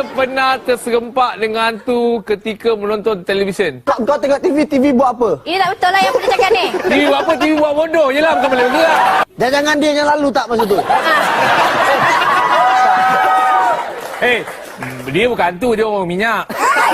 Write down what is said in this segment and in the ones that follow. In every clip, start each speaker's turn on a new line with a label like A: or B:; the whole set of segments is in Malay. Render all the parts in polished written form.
A: pernah terserempak dengan hantu ketika menonton televisyen?
B: Kau tengok TV buat apa?
C: Ini tak betul lah yang Putih cakap ni.
A: TV buat apa? TV buat bodoh je lah, bukan boleh bergerak.
B: Dan jangan dia yang lalu tak masa tu.
A: Dia bukan hantu, dia orang minyak.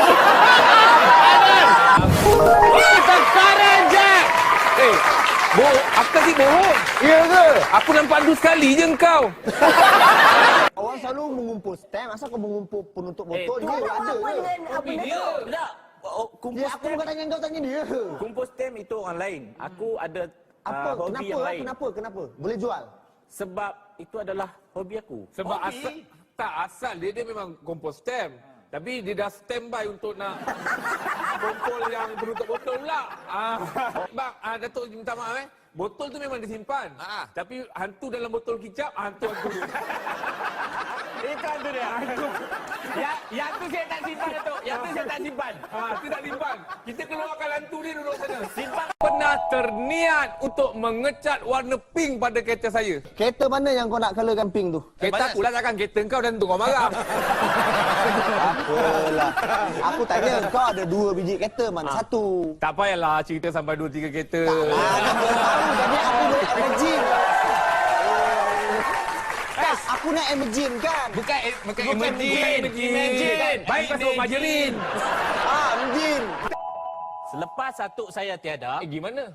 A: Sekarang je! Aku kasih bohong.
B: Ya ke?
A: Aku nampak hantu sekali je kau.
B: Orang selalu mengumpul stem, asal kau mengumpul penutup botol? Dia ada
C: Apa
B: ke?
C: dengan apa
A: Dia.
D: Tak. Kumpul
B: Dia, aku
D: stem.
B: bukan tanya kau, tanya dia.
D: Kumpul stem itu orang lain. Aku ada
B: Apa?
D: hobi yang lain.
B: Kenapa? Boleh jual?
D: Sebab itu adalah hobi aku.
A: Sebab asal dia memang kompos stem. Tapi dia dah standby untuk nak kumpul yang penutup botol pula. Bang, Datuk minta maaf botol tu memang disimpan. Tapi hantu dalam botol kicap, hantu.
D: Itu hantu dia. Yang tu saya tak simpan, Datuk. Yang tu saya tak simpan.
A: Itu tak simpan. Kita keluarkan hantu dia duduk sana. Simpan. Pernah terniat untuk mengecat warna pink pada kereta saya.
B: Kereta mana yang kau nak colorkan pink tu?
A: Kereta aku lah, takkan kereta kau dan tu kau marah.
B: Apalah. Aku tanya kau ada 2 biji kereta, mana satu?
A: Tak payahlah cerita sampai 2-3 kereta.
B: Jadi aku boleh imagine. Aku nak imagine kan?
A: Bukan
B: imagine.
A: Baik masuk majerin.
B: Imagine.
D: Selepas Datuk saya tiada,
A: Gimana?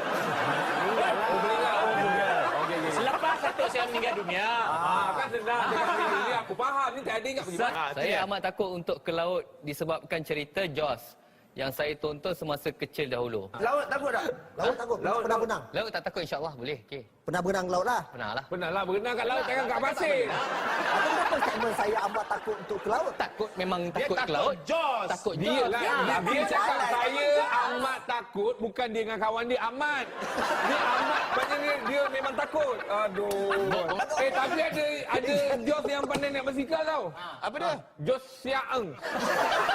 D: selepas Datuk saya meninggal dunia,
A: Kan senang. Ini aku faham. Ni tak ada ingat pergi mana.
E: Saya amat takut untuk ke laut disebabkan cerita Jaws yang saya tonton semasa kecil dahulu.
B: Laut takut tak? Laut takut. Pernah berenang?
E: Laut tak takut, insya-Allah boleh. Okey.
B: Pernah berenang laut lah.
E: Pernah lah.
A: Pernah lah berenang kat laut, jangan kat pasir.
B: Apa kenapa statement saya amat takut untuk ke laut?
E: Takut memang takut ke laut.
A: Jaws.
E: Takut
A: Dia
E: Jaws.
A: lah. Dia cakap saya amat takut. Bukan dia dengan kawan dia amat. Dia amat. Maknanya dia memang takut. Aduh. Tapi ada Jaws yang pandai naik basikal tau. Apa dia? Jaws Siaeng.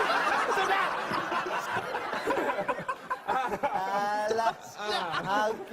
B: Alah.